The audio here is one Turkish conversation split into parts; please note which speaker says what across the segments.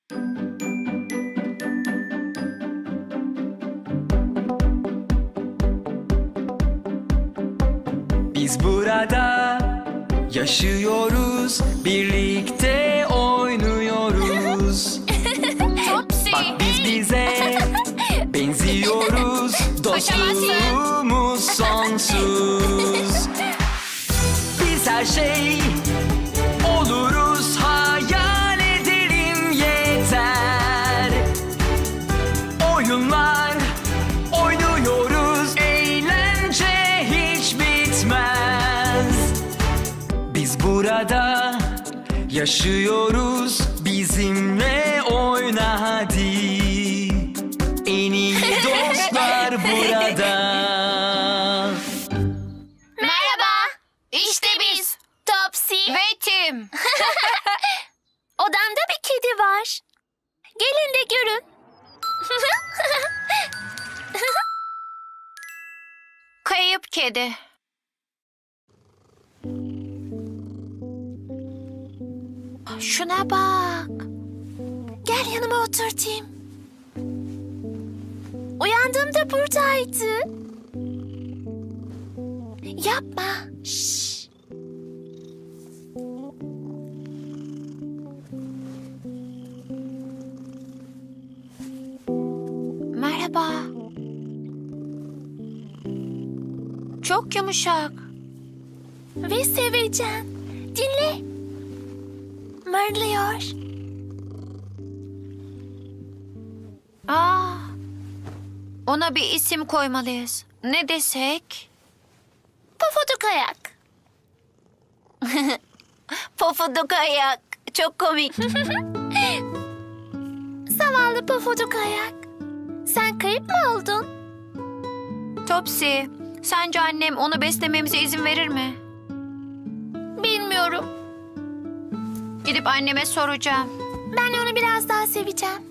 Speaker 1: Biz burada yaşıyoruz, birlikte oynuyoruz.
Speaker 2: Topsy.
Speaker 1: Bak biz bize benziyoruz, dostluğumuz sonsuz. Biz her şey oluruz, hayal edelim yeter. Oyunlar oynuyoruz, eğlence hiç bitmez. Biz burada yaşıyoruz, bizimle oyna hadi. En iyi dostlar burada.
Speaker 2: Merhaba. İşte biz. Topsy. Ve Tim. Odamda bir kedi var. Gelin de görün. Kayıp kedi. Şuna bak. Gel yanıma otur Tim. Uyandığımda buradaydı. Yapma. Şşş. Merhaba. Çok yumuşak. Ve sevecen. Dinle. Mırlıyor. Aa, ona bir isim koymalıyız. Ne desek? Pofuduk ayak. Pofuduk ayak. Çok komik. Zavallı pofuduk ayak. Sen kayıp mı oldun? Topsy, sence annem onu beslememize izin verir mi? Bilmiyorum. Gidip anneme soracağım. Ben onu biraz daha seveceğim.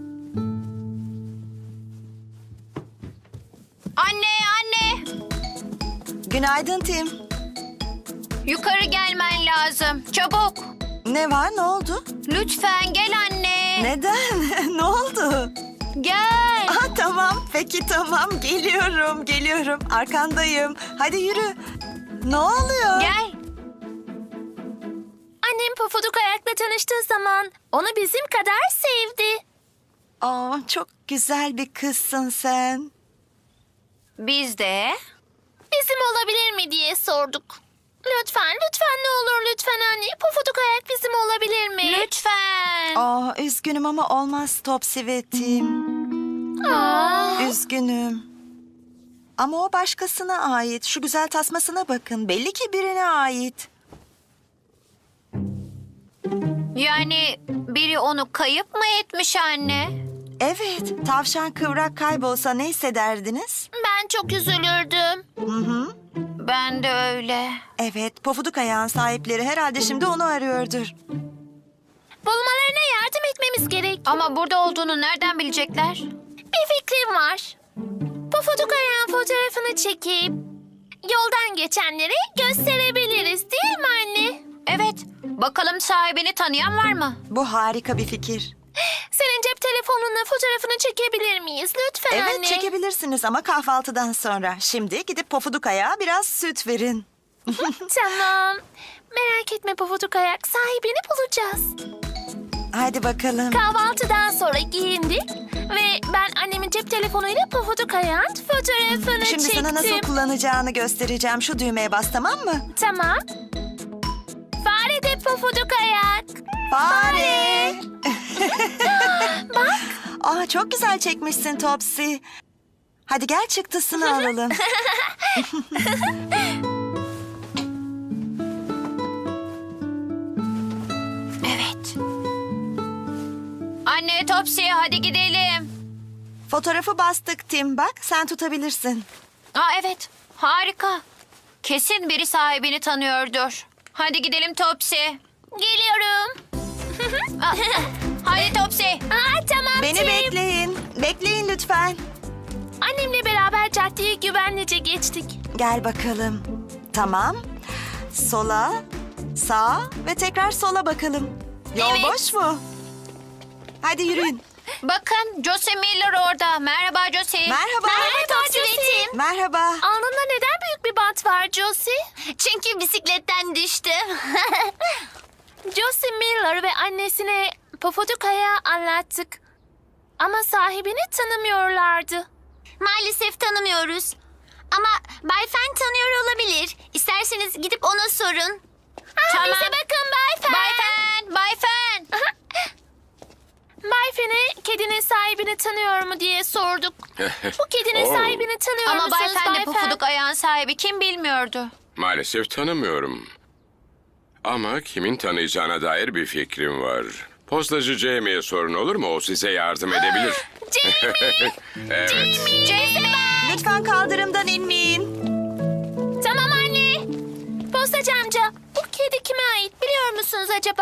Speaker 2: Anne, anne!
Speaker 3: Günaydın Tim.
Speaker 2: Yukarı gelmen lazım. Çabuk.
Speaker 3: Ne var, ne oldu?
Speaker 2: Lütfen gel anne.
Speaker 3: Neden? Ne oldu?
Speaker 2: Gel.
Speaker 3: Tamam, peki tamam. Geliyorum. Arkandayım. Hadi yürü. Ne oluyor?
Speaker 2: Gel. Annem Pofuduk Ayak'la tanıştığı zaman onu bizim kadar sevdi.
Speaker 3: Çok güzel bir kızsın sen.
Speaker 2: Biz de bizim olabilir mi diye sorduk. Lütfen ne olur lütfen anne. Pofuduk Ayak bizim olabilir mi? Lütfen.
Speaker 3: Üzgünüm ama olmaz Topsy ve Tim. Üzgünüm. Ama o başkasına ait. Şu güzel tasmasına bakın. Belli ki birine ait.
Speaker 2: Yani biri onu kayıp mı etmiş anne?
Speaker 3: Evet, tavşan kıvrak kaybolsa ne hissederdiniz?
Speaker 2: Ben çok üzülürdüm.
Speaker 3: Hı.
Speaker 2: Ben de öyle.
Speaker 3: Evet, pofuduk ayağın sahipleri herhalde şimdi onu arıyordur.
Speaker 2: Bulmalarına yardım etmemiz gerek. Ama burada olduğunu nereden bilecekler? Bir fikrim var. Pofuduk Ayağın fotoğrafını çekip yoldan geçenlere gösterebiliriz değil mi anne? Evet. Bakalım sahibini tanıyan var mı?
Speaker 3: Bu harika bir fikir.
Speaker 2: Senin cep telefonunla fotoğrafını çekebilir miyiz? Lütfen
Speaker 3: Evet,
Speaker 2: anne.
Speaker 3: çekebilirsiniz ama kahvaltıdan sonra. Şimdi gidip pofuduk ayağa biraz süt verin.
Speaker 2: Tamam. Merak etme Pofuduk Ayak. Sahibini bulacağız.
Speaker 3: Hadi bakalım.
Speaker 2: Kahvaltıdan sonra giyindik ve ben annemin cep telefonuyla Pofuduk Ayak'ın fotoğrafını
Speaker 3: Şimdi
Speaker 2: çektim.
Speaker 3: sana nasıl kullanacağını göstereceğim. Şu düğmeye bas, tamam mı?
Speaker 2: Tamam. Fare de Pofuduk Ayak.
Speaker 3: Fare.
Speaker 2: Bak.
Speaker 3: Çok güzel çekmişsin Topsy. Hadi gel çıktısını alalım.
Speaker 2: Evet. Anne Topsy hadi gidelim.
Speaker 3: Fotoğrafı bastık Tim. Bak, sen tutabilirsin.
Speaker 2: Evet. Harika. Kesin biri sahibini tanıyordur. Hadi gidelim Topsy. Geliyorum. Hadi Topsy. Tamam
Speaker 3: Beni bekleyin. Bekleyin lütfen.
Speaker 2: Annemle beraber caddeyi güvenlice geçtik.
Speaker 3: Gel bakalım. Tamam. Sola, sağa ve tekrar sola bakalım. Yol
Speaker 2: Evet.
Speaker 3: boş mu? Hadi yürüyün.
Speaker 2: Bakın Josie Miller orada. Merhaba Josie.
Speaker 3: Merhaba.
Speaker 2: Josie.
Speaker 3: Merhaba.
Speaker 2: Alnında neden büyük bir bant var Josie? Çünkü bisikletten düştü. Josie Miller ve annesine Pofuduka'ya anlattık. Ama sahibini tanımıyorlardı. Maalesef tanımıyoruz. Ama Bay Fen tanıyor olabilir. İsterseniz gidip ona sorun. Tamam. Bize bakın Bay Fen. Bay Fen, Bay Fen. Bay Fen'e kedinin sahibini tanıyor mu diye sorduk. Bu kedinin
Speaker 4: Oo.
Speaker 2: sahibini tanıyor
Speaker 5: Ama
Speaker 2: musunuz
Speaker 5: Bay Fen de
Speaker 2: Bay
Speaker 5: pufuduk ayağın sahibi kim bilmiyordu.
Speaker 4: Maalesef tanımıyorum. Ama kimin tanıyacağına dair bir fikrim var. Postacı Jamie'ye sorun olur mu? O size yardım edebilir.
Speaker 2: Jamie!
Speaker 4: Evet.
Speaker 2: Jezebel!
Speaker 3: Lütfen kaldırımdan inmeyin.
Speaker 2: Tamam anne. Postacı amca, bu kedi kime ait biliyor musunuz acaba?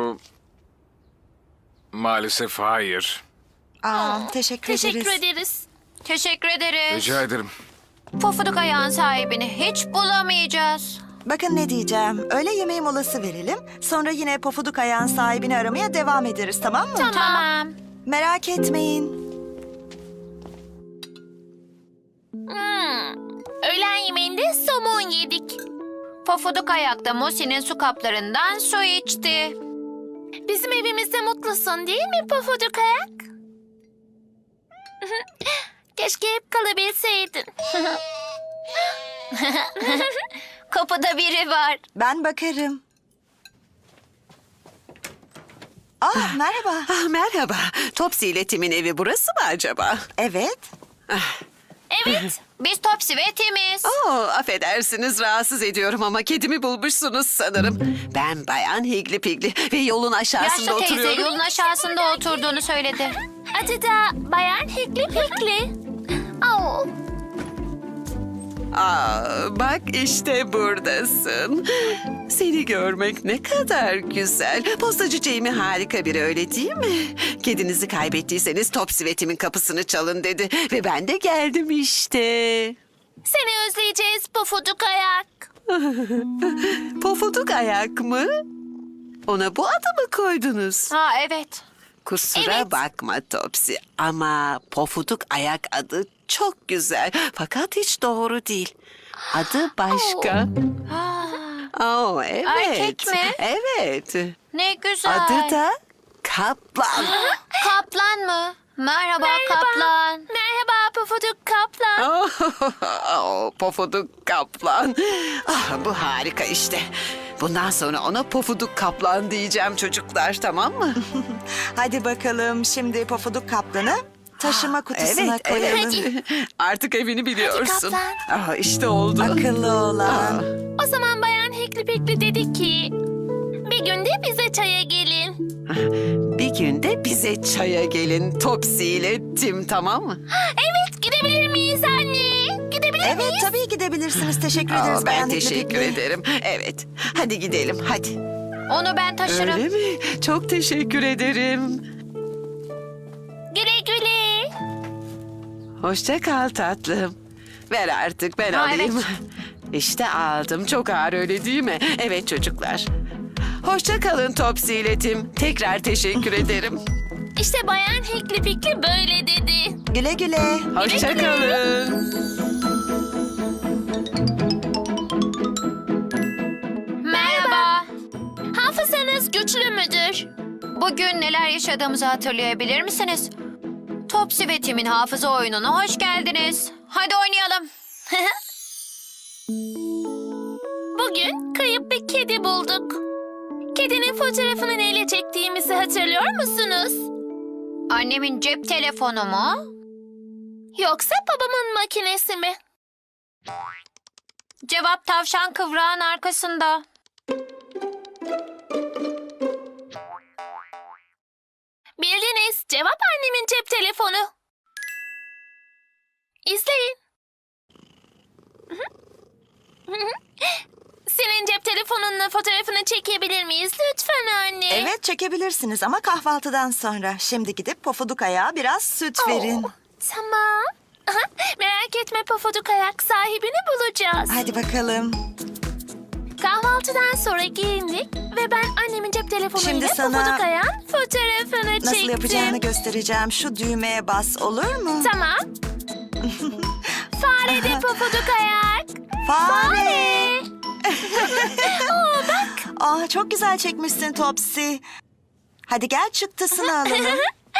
Speaker 6: Maalesef hayır.
Speaker 3: Teşekkür ederiz.
Speaker 2: Teşekkür ederiz.
Speaker 5: Teşekkür ederiz.
Speaker 6: Rica ederim.
Speaker 5: Pufuduk ayağın sahibini hiç bulamayacağız.
Speaker 3: Bakın ne diyeceğim. Öğle yemeği molası verelim. Sonra yine Pofuduk ayağın sahibini aramaya devam ederiz, tamam mı?
Speaker 5: Tamam.
Speaker 3: Merak etmeyin.
Speaker 2: Öğlen yemeğinde somon yedik.
Speaker 5: Pufuduk ayakta Mosi'nin su kaplarından su içti.
Speaker 2: Bizim evimizde mutlusun değil mi Pofuduk ayak? Keşke hep kalabilseydin.
Speaker 5: Kapıda biri var.
Speaker 3: Ben bakarım. Merhaba.
Speaker 7: Merhaba. Topsy ile Tim'in evi burası mı acaba?
Speaker 3: Evet.
Speaker 2: Evet.
Speaker 5: Biz Topsy ve Timiz.
Speaker 7: Affedersiniz rahatsız ediyorum ama kedimi bulmuşsunuz sanırım. Ben Bayan Higli Pigli ve yolun aşağısında
Speaker 5: Yaşlı teyze
Speaker 7: oturuyorum.
Speaker 5: yolun aşağısında oturduğunu söyledi.
Speaker 2: Adı da Bayan Hikli Pikli. Oh.
Speaker 7: Bak işte buradasın. Seni görmek ne kadar güzel. Postacı Jamie harika biri öyle değil mi? Kedinizi kaybettiyseniz Topsy ve Tim'in kapısını çalın dedi. Ve ben de geldim işte.
Speaker 2: Seni özleyeceğiz Pofuduk ayak.
Speaker 7: Pofuduk ayak mı? Ona bu adı mı koydunuz?
Speaker 5: Ha evet.
Speaker 7: Kusura
Speaker 2: Evet.
Speaker 7: bakma Topsy ama Pofuduk ayak adı çok güzel fakat hiç doğru değil. Adı başka. Evet.
Speaker 5: Erkek mi?
Speaker 7: Evet.
Speaker 5: Ne güzel.
Speaker 7: Adı da Kaplan.
Speaker 5: Kaplan mı? Merhaba Kaplan.
Speaker 2: Merhaba Pofuduk Kaplan.
Speaker 7: Pofuduk Kaplan. Bu harika işte. Bundan sonra ona Pofuduk Kaplan diyeceğim çocuklar, tamam mı?
Speaker 3: Hadi bakalım şimdi Pofuduk Kaplan'ı taşıma kutusuna
Speaker 7: Evet,
Speaker 3: koyalım.
Speaker 7: evet. Artık evini biliyorsun.
Speaker 2: Kaplan.
Speaker 7: İşte oldu.
Speaker 3: Akıllı olan.
Speaker 2: O zaman Bayan Hikli Pikli dedi ki... Bir günde bize çaya gelin.
Speaker 7: Bir gün de bize çaya gelin Topsy ile Tim, tamam mı?
Speaker 2: Evet, gidebilir miyiz anne? Gidebilir
Speaker 3: Evet
Speaker 2: miyiz?
Speaker 3: tabii gidebilirsiniz. Teşekkür ederiz
Speaker 7: Ben
Speaker 3: Bayan Hikli
Speaker 7: teşekkür
Speaker 3: Pikli.
Speaker 7: ederim. Evet. Hadi gidelim hadi.
Speaker 5: Onu ben taşırım.
Speaker 7: Öyle mi? Çok teşekkür ederim.
Speaker 2: Güle güle.
Speaker 7: Hoşça kal tatlım. Ver artık ben
Speaker 5: Ha,
Speaker 7: alayım.
Speaker 5: evet.
Speaker 7: İşte aldım. Çok ağır öyle değil mi? Evet çocuklar. Hoşça kalın Topsy ile Tim. Tekrar teşekkür ederim.
Speaker 2: İşte Bayan Hikli Pikli böyle dedi.
Speaker 3: Güle güle.
Speaker 7: Hoşça kalın.
Speaker 5: Merhaba.
Speaker 2: Hafızanız güçlü müdür?
Speaker 5: Bugün neler yaşadığımızı hatırlayabilir misiniz? Topsy ve Tim'in hafıza oyununa hoş geldiniz. Hadi oynayalım.
Speaker 2: Bugün kayıp bir kedi bulduk. Kedinin fotoğrafını neyle çektiğimizi hatırlıyor musunuz?
Speaker 5: Annemin cep telefonu mu?
Speaker 2: Yoksa babamın makinesi mi?
Speaker 5: Cevap tavşan kıvrağın arkasında.
Speaker 2: Bildiniz. Cevap annemin cep telefonu. İzleyin. Senin cep telefonunla fotoğrafını çekebilir miyiz lütfen anne?
Speaker 3: Evet çekebilirsiniz ama kahvaltıdan sonra. Şimdi gidip Pofuduk ayağa biraz süt verin.
Speaker 2: Tamam. Merak etme Pofuduk ayak, sahibini bulacağız.
Speaker 3: Hadi bakalım.
Speaker 2: Kahvaltıdan sonra giyindik ve ben annemin cep telefonuyla
Speaker 3: Şimdi sana
Speaker 2: Pofuduk ayağın fotoğrafını
Speaker 3: Nasıl
Speaker 2: çektim.
Speaker 3: yapacağını göstereceğim. Şu düğmeye bas, olur mu?
Speaker 2: Tamam. Fare de Pofuduk ayak.
Speaker 3: Fare! Aa, çok güzel çekmişsin Topsy. Hadi gel çıktısını alalım.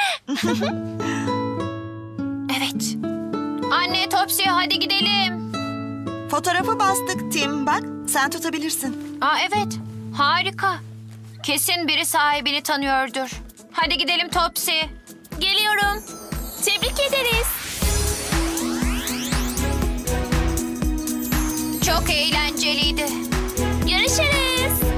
Speaker 5: Evet. Anne Topsy hadi gidelim.
Speaker 3: Fotoğrafı bastık Tim. Bak, sen tutabilirsin.
Speaker 5: Aa evet. Harika. Kesin biri sahibini tanıyordur. Hadi gidelim Topsy.
Speaker 2: Geliyorum. Tebrik ederiz.
Speaker 5: Çok eğlenceliydi.
Speaker 2: Görüşürüz.